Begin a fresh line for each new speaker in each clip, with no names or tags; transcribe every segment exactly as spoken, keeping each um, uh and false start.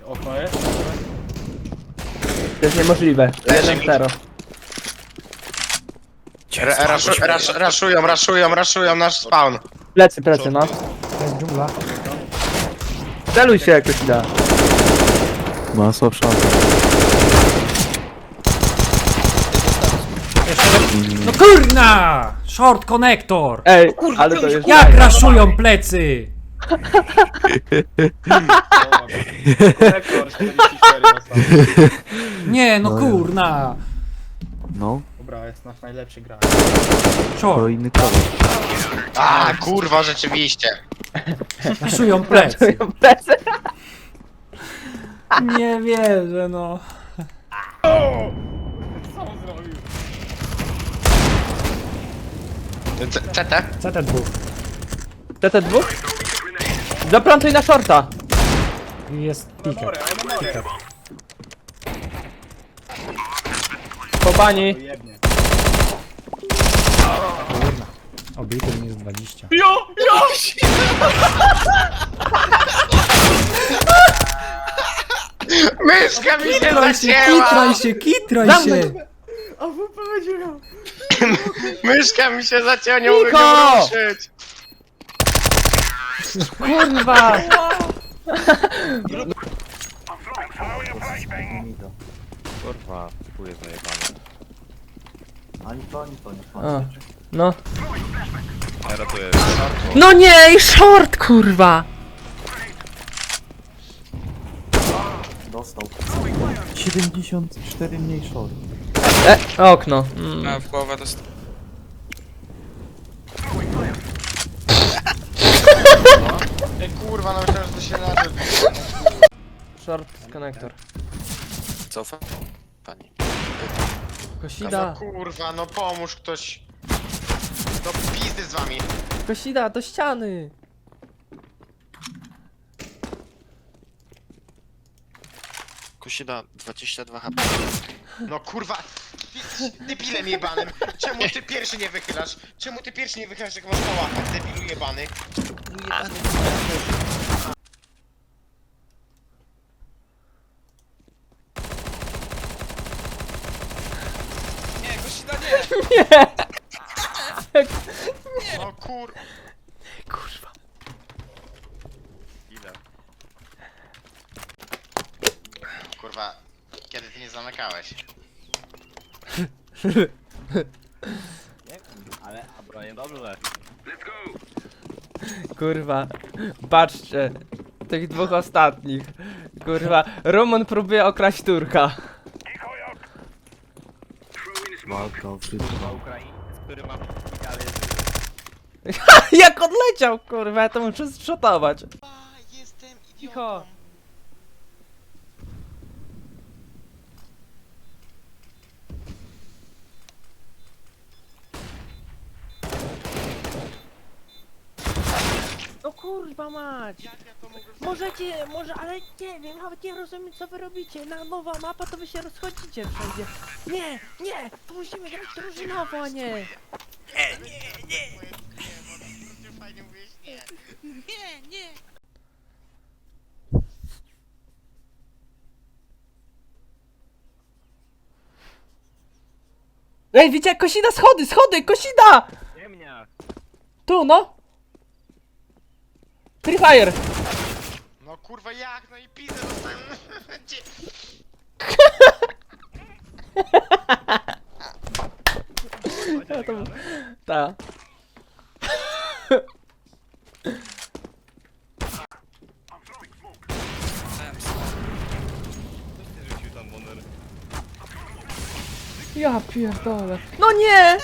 Okno jest?
To jest niemożliwe. jeden zero.
Ra- raszu- rasz- Raszują, raszują, raszują nasz spawn.
Plecy, plecy, no.
To jest dżungla.
Celuj się jakoś da.
Masa w szafie.
No kurna! Short connector!
Ej, ale to jest...
Jak raszują plecy?
Rekord czterdzieści cztery dostał.
Nie, no kurna!
No,
Dobra, jest nasz najlepszy gracz.
to
Short,
inny kolor.
A, kurwa, rzeczywiście.
raszują plecy.
Plecy.
Nie wierzę, no.
Co on zrobił?
C- C T?
C T dwóch.
T T dwa? Zaplantuj na shorta.
Jest piker.
More, ale more.
Po bani.
Jebnie.
Obity minus dwadzieścia.
Jo, jo!
Myszka mi się
Kitraj się,
zacięła!
kitraj się, kitraj
Zamknąć.
się!
A W P będzie miał.
Myszka mi się zacięła, nie mogę
Niko!
nią ruszyć.
Kurwa.
Kurwa, tu jest zajebane.
O, no.
Ja ratuję.
No nie, i short, kurwa.
siedemdziesiąt cztery mniej short.
E, okno. Mm.
A w głowę dost...
Ej, kurwa, no myślałem, że to się naczy.
Short konektor.
Cofa? Pani.
No
Kosida.
kurwa, no pomóż ktoś. Do pizdy z wami.
Kosida, do ściany.
Kusida dwadzieścia dwa H P.
No kurwa, ty, debilem jebanym. Czemu ty pierwszy nie wychylasz? Czemu ty pierwszy nie wychylasz, jak masz na łapach, debilu jebany?
Nie, Kusida nie!
No kur...
Kurwa.
Ile? Kurwa, kiedy ty nie zamykałeś?
Ale, a Brian dobrze.
Kurwa. Patrzcie. Tych dwóch ostatnich. Kurwa. Roman próbuje okraść Turka.
Walka o wszystko.
Ukraińcy, który ma idealnie.
Jak odleciał, kurwa, ja to muszę zszotować.
Jestem
Cicho. No kurwa mać! Możecie, może, ale nie wiem, nawet nie rozumiem co wy robicie. Na nowa mapa to wy się rozchodzicie wszędzie. Nie, nie, to musimy grać drużynowo, a nie.
Fajnie mówisz, nie.
Nie, nie!
Ej, widzicie, Kosida, schody, schody, Kosida!
Ziemniak.
Tu, no. Free Fire.
No kurwa jak, no i pizdę dostałem. Gdzie-
Ja to... Ta.
Nie rzucił tam Bonner.
Ja pierdolę. No nie!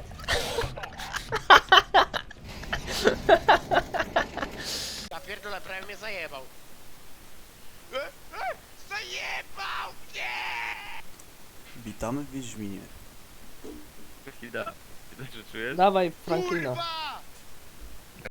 Ja pierdolę, prawie mnie zajebał. E, e, Zajebał mnie!
Witamy w Wiedźminie.
Chwila. Widać, że czujesz?
Dawaj, Franklina.
Kurwa!